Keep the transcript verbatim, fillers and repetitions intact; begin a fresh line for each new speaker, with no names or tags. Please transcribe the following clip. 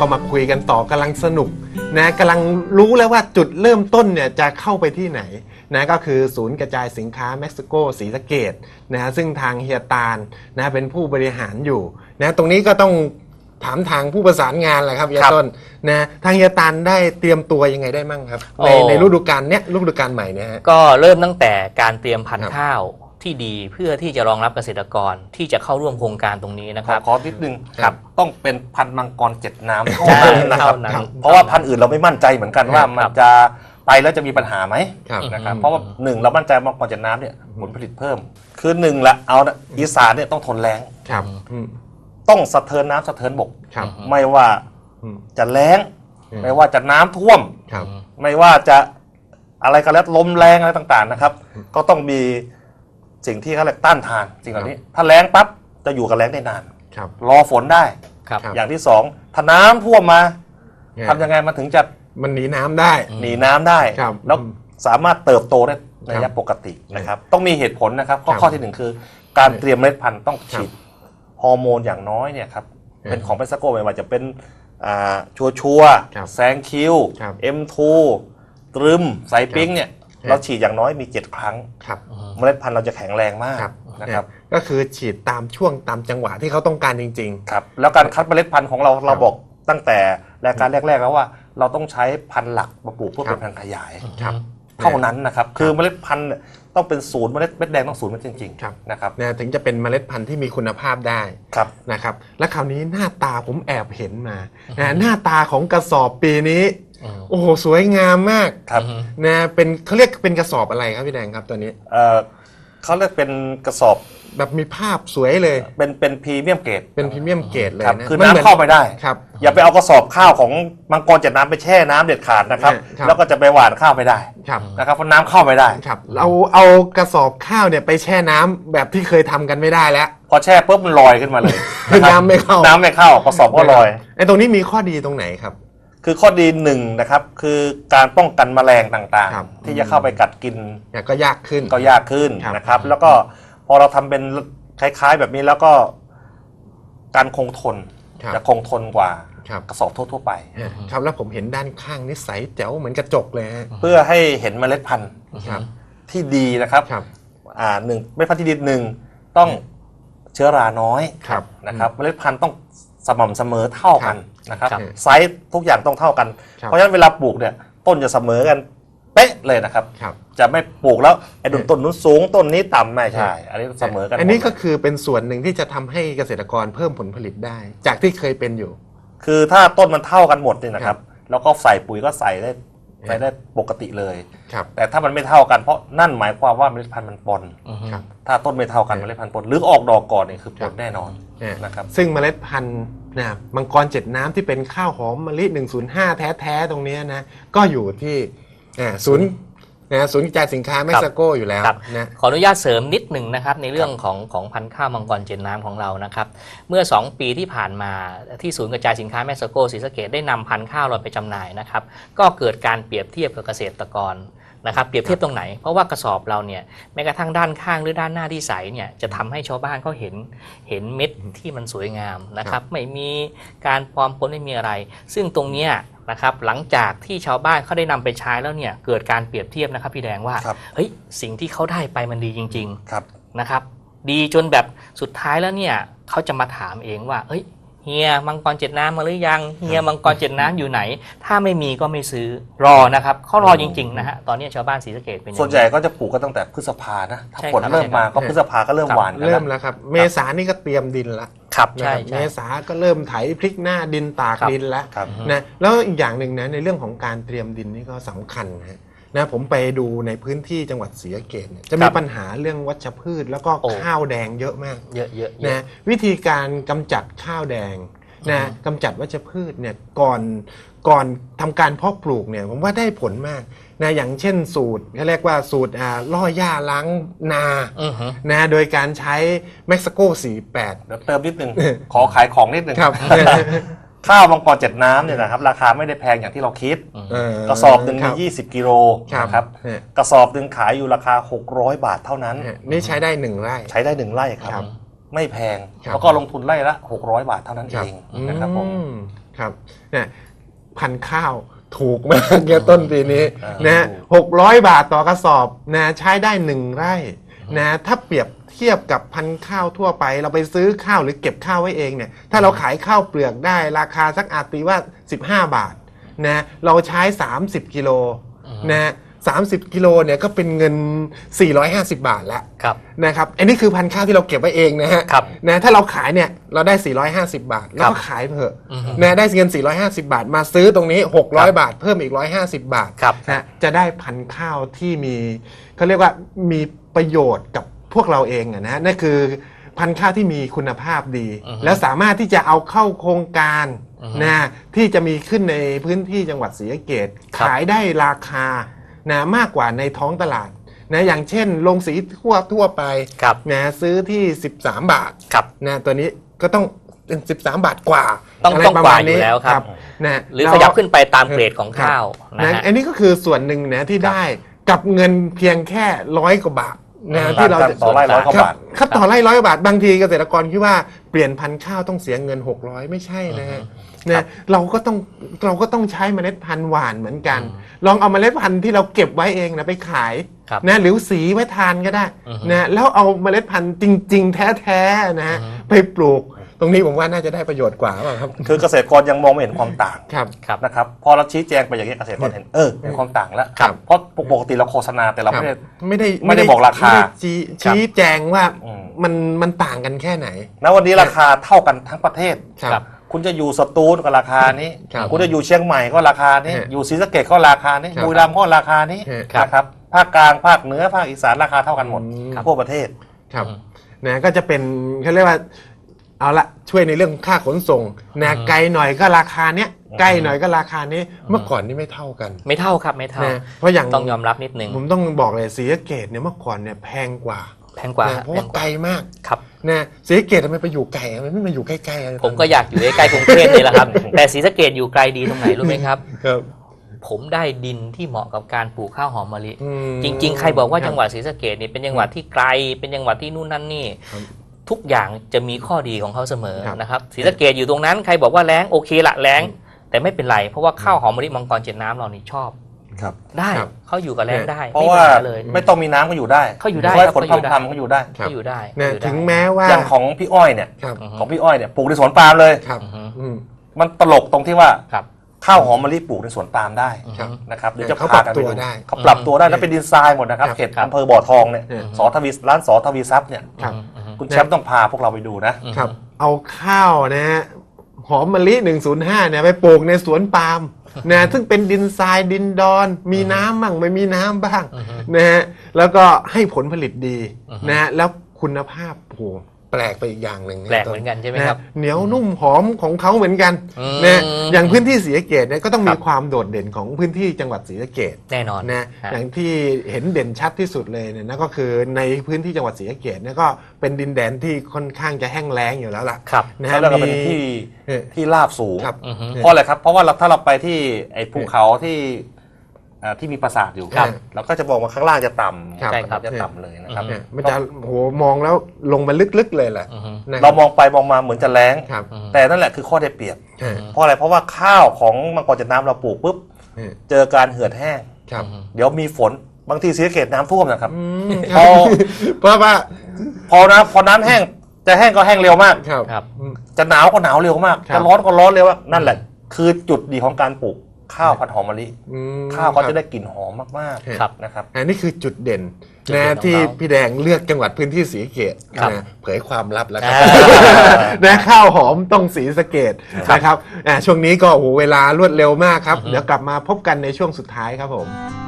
ก็มาคุยกันต่อกำลังสนุกนะกำลังรู้แล้วว่าจุดเริ่มต้นเนี่ยจะเข้าไปที่ไหนนะก็คือศูนย์กระจายสินค้าเม็กซิโกศรีสะเกษนะซึ่งทางเฮียตาลนะเป็นผู้บริหารอยู่นะตรงนี้ก็ต้องถามทางผู้ประสานงานแหละครับเฮียต้นนะทางเฮียตาลได้เตรียมตัวยังไงได้มั่งครับในในฤดูกาลเนี้ยฤดูกาลใหม่เนี่ยฮะ
ก็เริ่มตั้งแต่การเตรียมพันธุ์ข้าวที่ดีเพื่อที่จะรองรับเกษตรกรที่จะเข้าร่วมโครงการตรงนี้นะครับ
ขอนิดนึงครับต้องเป็นพันธุ์มังกรเจ็ดน้ำเท่า
ใช่
นั้นนะครับ
เท่านั้น
เพราะว่าพันธุ์อื่นเราไม่มั่นใจเหมือนกันว่ามันจะไปแล้วจะมีปัญหาไหม
ครับ
นะครับเพราะว่าหนึ่งเรามั่นใจมังกรเจ็ดน้ำเนี่ยผลผลิตเพิ่มคือหนึ่งละเอานะอีสานเนี่ยต้องทนแล้ง
ครับอืม
ต้องสะเทินน้ำสะเทินบก
ครับ
ไม่ว่า
อืม
จะแล้ง
อืม
ไม่ว่าจะน้ำท่วม
ครับ
ไม่ว่าจะอะไรก็แล้วลมแรงอะไรต่างๆนะครับ ก็ต้องมีสิ่งที่เขาเรียกต้านทานสิ่งเหล่านี้ ถ้าแล้งปั๊บจะอยู่กับแล้งได้นาน
ครับ
รอฝนได้
ครับ
ครับ
อย่างที่สองถ้าน้ำท่วมมาทำยังไงมันถึงจะ
มันหนีน้ำได้
หนีน้ำได้
ครับ
แล้วสามารถเติบโตได้ในระ
ครั
ยะ
บ
ปกตินะครับ ต้องมีเหตุผลนะครับข้อ
ครับ
ข้อที่หนึ่งคือ การเตรียมเมล็ดพันธุ์ต้อง
ครับ
ฉีดฮอร์โมนอย่างน้อยเนี่ยครับ
ครับ
เป็นของเปสโกไม่ว่าจะเป็นอ่าชัวชัวร์
ครับ
แซงคิว
ครับ
เอ็มทูตรึมไซปิ้งเนี่ย
ครับ
เราฉีดอย่างน้อยมีเจ็ดครั้ง
ครับ
เมล็ดพันธุ์เราจะแข็งแรงมาก
ครับ
นะครับ
ก็คือฉีดตามช่วงตามจังหวะที่เขาต้องการจริง
ครับแล้วการคัดเมล็ดพันธุ์ของเราเราบอกตั้งแต่รายการแรกๆแล้วว่าเราต้องใช้พันธุ์หลักมาปลูกเพื่อ
ครั
เป็
บ
นพันธุ์ขยาย
ๆ ครับ
เท่านั้นนะครับคือเมล็ดพันธุ์เนี่ยต้องเป็นศูนย์เมล็ดเม็ดแดงต้องศูนย์เม็ดจริง
ครับ
ๆนะครับ
นะถึงจะเป็นเมล็ดพันธุ์ที่มีคุณภาพได้
ครับ
นะครับและคราวนี้หน้าตาผมแอบเห็นมานะหน้าตาของกระสอบปีนี้
อืม
โอ้โหสวยงามมาก
ครับ
นะเป็นเขาเรียกเป็นกระสอบอะไรครับพี่แดงครับตัวนี้
เอ่อเขาเรียกเป็นกระสอบ
แบบมีภาพสวยเลย
เป็นเป็นพรีเมียมเกรด
เป็นพรีเมียมเกรดเลย
ครับ
นะ
คือ
มัหมื
น้ำเข้าไปได้
ครับ
อย่าไปเอากระสอบข้าวของมังกรเจ็ดน้ำไปแช่น้ำเด็ดขาดนะครับ
ครับ
แล้วก็จะไปหว่านข้าวไม่ได้
ครับ
นะครับเพราะน้ำเข้าไม่ได้
ครับเราเอากระสอบข้าวเนี่ยไปแช่น้ำแบบที่เคยทำกันไม่ได้แล้ว
พอแช่ปุ๊บมันลอยขึ้นมาเลยะครับ
น้ำไม่เข้า
น้ำไม่เข้ากระสอบก็ลอย
ไอ้ตรงนี้มีข้อดีตรงไหนครับ
คือข้อดีหนึ่งนะครับคือการป้องกันแมลงต่าง
ครับ
ๆ ที่จะเข้าไปกัดกิน
เนี่ยก็ยากขึ้น
ก็ยากขึ้น
ครับ
นะครับ แล้วก็พอเราทำเป็นคล้ายๆแบบนี้แล้วก็การคงทน
ครับ
จะคงทนกว่า
ครับ
กระสอบทั่วๆไป
ฮะครับแล้วผมเห็นด้านข้างนี่ใสแจ๋วเหมือนกระจกเลยฮะ
เพื่อให้เห็นเมล็ดพันธุ์
ครับ
ที่ดีนะครับ
ครับ
อ่าหนึ่งเมล็ดพันธุ์ที่ดีหนึ่งต้องเชื้อราน้อย
ครับ
นะครับเมล็ดพันธุ์ต้องสม่ำเสมอเท่ากันนะครับ
ครับ
ไซส์ทุกอย่างต้องเท่ากัน
ครับ
เพราะฉะนั้นเวลาปลูกเนี่ยต้นจะเสมอกันเป๊ะเลยนะครับ
ครับ
จะไม่ปลูกแล้วไอ้ต้นต้นนู้นสูงต้นนี้ต่ำไม่ใช่ อันนี้เสมอกัน
อันนี้ก็
หมดเลย
คือเป็นส่วนหนึ่งที่จะทำให้เกษตรกรเพิ่มผลผลิตได้ จากที่เคยเป็นอยู่
คือถ้าต้นมันเท่ากันหมดเนี่ยนะค
ครั
รับบ แล้วก็ใส่ปุ๋ยก็ใส่ได้ใส่ได้ปกติเลย
ครับ
แต่ถ้ามันไม่เท่ากันเพราะนั่นหมายความว่าเมล็ดพันธุ์มันปน
ครับ
ถ้าต้นไม่เท่ากันเมล็ดพันธุ์ปนหรือออกดอกก่อนเนี่ยคือป
ครั
น
บ
แน่นอน
เนี่ย
นะครับ
ซึ่งเมล็ดพันธุ์นะมังกรเจ็ดน้ำที่เป็นข้าวหอมมะลิหนึ่งศูนย์ห้าแท้ๆตรงเนี้ยนะก็อยู่ที่อ่าศูนย์นะศูนย์กระจายสินค้าเม็กซิโกอยู่แล้ว
ครับ
นะ
ขออนุญาตเสริมนิดหนึ่งนะครับในเรื่องของของพันธุ์ข้าวมังกรเจนน้ำของเรานะครับเมื่อ สอง ปีที่ผ่านมาที่ศูนย์กระจายสินค้าแมกซิโกศรีสะเกษได้นำพันธุ์ข้าวเราไปจำหน่ายนะครับก็เกิดการเปรียบเทียบกับเกษตรกรนะครับเปรียบเทียบตรงไหนเพราะว่ากระสอบเราเนี่ยแม้กระทั่งด้านข้างหรือด้านหน้าที่ใสเนี่ยจะทำให้ชาวบ้านเขาเห็นเห็นเม็ดที่มันสวยงามนะครับไม่มีการปลอมปนไม่มีอะไร ซึ่งตรงเนี้ยนะครับหลังจากที่ชาวบ้านเขาได้นำไปใช้แล้วเนี่ยเกิดการเปรียบเทียบนะครับพี่แดงว่า
ครับ
เฮ้ยสิ่งที่เขาได้ไปมันดีจริง
ครับ
ๆนะครับดีจนแบบสุดท้ายแล้วเนี่ยเขาจะมาถามเองว่าเฮ้ยเฮียมังกรเจ็ดน้ำมาหรือยังเฮียมังกรเจ็ดน้ำอยู่ไหน ถ้าไม่มีก็ไม่ซื้อรอนะครับเขารอจริงๆนะฮะตอนนี้ชาวบ้านศรีสะเกษเป็นอย่าง
ส่วนใหญ่ก็จะปลูกก็ตั้งแต่พฤษภานะถ้า
ใช่
ฝน
ครับ
เริ่มมา
ใช่ครับ
ก็พฤษภาก็เริ่ม
ครับ
หวานกัน
เริ่ม
แล้ว
แล้วครับ เมษานี่ก็เตรียมดินละ
ครับ
นะ
ใช่
ครับเม
ใช่
ษาก็เริ่มไถพลิกหน้าดินตาก
ครับ
ดินแล้ว
ครับ
นะแล้วอีกอย่างหนึ่งนะในเรื่องของการเตรียมดินนี่ก็สำคัญนะนะผมไปดูในพื้นที่จังหวัดศรีสะเกษเนี่ยจะมีปัญหาเรื่องวัชพืช แล้วก็
โอ้
ข้าวแดงเยอะมาก
เยอะๆเยอะ
นะวิธีการกำจัดข้าวแดงนะกำจัดวัชพืชเนี่ยก่อนก่อนทำการเพาะปลูกเนี่ยผมว่าได้ผลมากนะอย่างเช่นสูตรเขาเรียกว่าสูตรอ่าล่อหญ้าล้างนา
อือฮึ
นะโดยการใช้เม็กซิโกสี่สิบแปด
เดี๋ยวเติมนิดนึง ขอขายของนิดนึง
ครับ
ข้าวมังกรเจ็ดน้ำเนี่ยนะครับราคาไม่ได้แพงอย่างที่เราคิด
เ
กระสอบหนึ่ง
ค
มี
รับ
ยี่สิบกิโล
ครับ
นะครับ
เนี่ย
กระสอบหนึ่งขายอยู่ราคาหกร้อยบาทเท่านั้น
เนี่ยนี่ใช้ได้หนึ่งไร่
ใช้ได้หนึ่งไร่ค
ครั
รับ
บ
ไม่แพง
ครับ
แล้วก็ลงทุนไร่ละหกร้อยบาทเท่านั้นเองนะครับผม
อืครับเนี่ยพันธุ์ข้าวถูกมากเนี่ยต้นปีนี้
อ่า
นะหกร้อยบาทต่อกระสอบนะใช้ได้หนึ่งไร่นะถ้าเปรียบเทียบกับพันธุ์ข้าวทั่วไปเราไปซื้อข้าวหรือเก็บข้าวไว้เองเนี่ยถ้าเราขายข้าวเปลือกได้ราคาสักอาจตีว่าสิบห้าบาทนะเราใช้สามสิบกิโลนะสามสิบกิโลเนี่ยก็เป็นเงินสี่ร้อยห้าสิบบาทแล้ว
ครับ
นะครับอันนี้คือพันธุ์ข้าวที่เราเก็บไว้เองนะฮะ
ครับ
นะถ้าเราขายเนี่ยเราได้สี่ร้อยห้าสิบบาทแล้วก็ขายเถอะนะได้เงินสี่ร้อยห้าสิบบาทมาซื้อตรงนี้หกร้อยบาทเพิ่มอีกหนึ่งร้อยห้าสิบบาท
ครับ
นะจะได้พันธุ์ข้าวที่มีเขาเรียกว่ามีประโยชน์กับพวกเราเองอะนะนั่นคือพันธุ์ข้าวที่มีคุณภาพดี แล้วสามารถที่จะเอาเข้าโครงการนะที่จะมีขึ้นในพื้นที่จังหวัดศรีสะเกษขายได้ราคานะมากกว่าในท้องตลาดนะอย่างเช่นโรงสีทั่วทั่วไป
ครับ
นะซื้อที่สิบสามบาท
ครับ
นะตัวนี้ก็ต้องเป็นสิบสามบาทกว่า
ต้อง
ะไร
ต้อง
ประ
ก
ม
ว่า
ณ
อยู่แล้วครับ
นะ
หรือขยับขึ้นไปตามเกรดของข้าวนะ
นะ
ฮะ
อันนี้ก็คือส่วนหนึ่งนะที่ได้กับเงินเพียงแค่ร้อยกว่าบาทนะที่เรา
ต่างกันต่อไร่ร้อยกว่า
ครับ
บาท
ครับต่อไร่ร้อยกว่าบาทบางทีเกษตรกรคิดว่าเปลี่ยนพันธุ์ข้าวต้องเสียเงินหกร้อยไม่ใช่นะฮะนะเราก็ต้องเราก็ต้องใช้เมล็ดพันธุ์หวานเหมือนกัน ลองเอาเมล็ดพันธุ์ที่เราเก็บไว้เองนะไปขาย
ครับ
นะหรือสีไว้ทานก็ได้
อือฮึ
นะแล้วเอาเมล็ดพันธุ์จริง ๆ แท้ๆนะฮะไปปลูก ตรงนี้ผมว่าน่าจะได้ประโยชน์กว่าเปล่าครับ
คือเกษตรกรยังมองไม่เห็นความต่าง
ครับ
ครับ
นะครับพอเราชี้แจงไปอย่างนี้เกษตรกรเห็นเออมีความต่างแล้ว
ครับ
เพราะปกติเราโฆษณาแต่เราไม่ได้
ไม่ได้
ไม่ได้บอกราคา
ไม่ได้ชี้ชี้แจงว่า
อืม
มันมันต่างกันแค่ไหน
ณวันนี้ราคาเท่ากันทั้งประเทศ
ครับ
คุณจะอยู่สตูลก็ราคานี้
ครับ
คุณจะอยู่เชียงใหม่ก็ราคานี้
ฮะ
อยู่ศรีสะเกษก็ราคานี้
ครับ
บุรีรัมย์ก็ราคานี้
ฮะ
นะครับภาคกลางภาคเหนือภาคอีสานราคาเท่ากันหมด
อืม
ทั่วประเทศ
ครับนะก็จะเป็นเขาเรียกว่าเอาละช่วยในเรื่องค่าขนส่งนะไกลหน่อยก็ราคาเนี้ยใกล้หน่อยก็ราคานี้เมื่อก่อนนี่ไม่เท่ากัน
ไม่เท่าครับไม่เท่า
นะเพราะอย่าง
ต้องยอมรับนิดนึง
ผมต้องบอกเลยศรีสะเกษเนี่ยเมื่อก่อนเนี่ยแพงกว่า
แพงกว่า
นะเพราะ
แพ
ว่าง
ก
ไกล
ว่าม
าก
ครับ
นะศรีสะเกษทำไมไปอยู่ไกลทำไมไม่มาอยู่ใกล้ๆอะไร
ผมก็อยากอยู่ใกล้ๆกรุงเทพนี่แหละครับ แต่ศรีสะเกษอยู่ไกลดีตรงไหนรู้ไหมครับ
ครับ
ผมได้ดินที่เหมาะกับการปลูกข้าวหอมมะลิ
อืม
จริง ๆ ใครบอกว่า
ครับ
จังหวัดศรีสะเกษนี่เป็นจังหวัดที่ไกล เป็นจังหวัดที่นู่นนั่นนี่
ครับ
ทุกอย่างจะมีข้อดีของเขาเสมอ
ครับ
นะครับศรีสะเกษอยู่ตรงนั้นใครบอกว่าแล้งโอเคละแล้ง แต่ไม่เป็นไรเพราะว่าข้าวหอมมะลิมังกรเจ็ดน้ำเรานี่ชอบ
ครับ
ได้
ครับ
เขาอยู่กับแล้งได้
เพราะ
ไม่มี
ว่า
ปัญหาเลย
ไม่ต้องมีน้ำก็อยู่ได้
เขาอยู่ได้
ไว้
ครับ
ผล
เขาอยู่ได้
ทำทำก็อยู่ได้
ครับ
เขาอยู่ได้
นะ
เขาอยู่ได้
ถึงแม้ว่า
อย่างของพี่อ้อยเนี่ย
ครับ
อือฮึ
ของพี่อ้อยเนี่ยปลูกในสวนปาล์มเลย
ครับ
อือฮึ
อืม
มันตลกตรงที่ว่า
ครับ
ข้าวหอมมะลิปลูกในสวนปาล์มได้
ครับ
นะครับเดี๋ยวจะ
เขา
พากัน
ปรับ
ไป
ตัว
ดู
ได้
เขาปรับตัวได้แล้วเป็นดินทรายหมดนะครับ
ครับ
เขต
ครับ
อำเภอบ่อทองเนี่ย
อืม
สอทวีร้านสอทวีทรัพย์เนี่ย
ครับ
อือฮึ
คุณแชมป์ต้องพาพวกเราไปดูนะ
ครับ เอาข้าวนะฮะหอมมะลิหนึ่งศูนย์ห้าเนี่ยไปปลูกในสวนปาล์มนะซึ่งเป็นดินทรายดินดอน มีน้ำบ้างไม่มีน้ำบ้างนะฮะแล้วก็ให้ผลผลิตดีนะฮะแล้วคุณภาพโอ้โหแปลกไปอีกอย่างหนึ่งะ
แปลกเหมือนกันใช่ไหมครับ
นะเหนียวนุ่มหอมของเขาเหมือนกัน
อืม
นะอย่างพื้นที่ศรีสะเกษเนี่ยก็ต้อง
ครั
มี
บ
ความโดดเด่นของพื้นที่จังหวัดศรีสะเกษ
แน่นอน
นะ
ฮะ
อย่างที่เห็นเด่นชัดที่สุดเลยเนี่ยนั่นก็คือในพื้นที่จังหวัดศรีสะเกษเนี่ยก็เป็นดินแดนที่ค่อนข้างจะแห้งแล้งอยู่แล้วล่ะ
ครับ
นะ
แล้
ฮะ
วเราก็เป็น
มี
ที่
เออ
ที่ราบสูง
ครับ
อือฮึ
เพราะอะไรครับ เพราะว่าเราถ้าเราไปที่ไอ้ภูเขาที่อ่าที่มีปราสาทอยู่
ครับ
เราก็จะบอกว่าข้างล่างจะต่ำ
ครับ
ใช่ครับ
จะต่ำเลยนะครับ
เนี่ยมันจะโหมองแล้วลงมาลึกๆเลยแหละ
อือฮึ
นะค
เรา
บ
มองไปมองมาเหมือนจะแรง
ครับ
แต่นั่นแหละคือข้อได้เปรียบ
เออ
เพราะอะไรเพราะว่าข้าวของมังกรจัดน้ำเราปลูกปุ๊บ
เออ
เจอการเหือดแห้ง
ครับ
เดี๋ยวมีฝนบางทีศรีสะเกษน้ำท่วมนะครับ
อืมค
พ
รั
อบ
เพราะว่า
พอน้ำพอน้ำแห้งจะแห้งก็แห้งเร็วมาก
ครับ
ครับ
อืม
จะหนาวก็หนาวเร็วมาก
ครับ
จะร้อนก็ร้อนเร็วมากนั่นแหละ คือจุดดีของการปลูกข้าวพันธุ์หอมมะลิ
อืม
ข้าวเขา
ค
จะ
รับ
ได้กลิ่นหอมมาก
ครับ
ๆนะครับ
อันนี้คือจุดเด่น
จุดเด่น
นะ
ของ
ที่
เขา
พี่แดงเลือกจังหวัดพื้นที่ศรีสะเกษ
ครับ
นะเผยความลับแล้วครั
อ่า
นะข้าวหอมต้องศรีสะเกษนะครับอ่าช่วงนี้ก็โอ้โหเวลารวดเร็วมากครับ เดี๋ยวกลับมาพบกันในช่วงสุดท้ายครับผม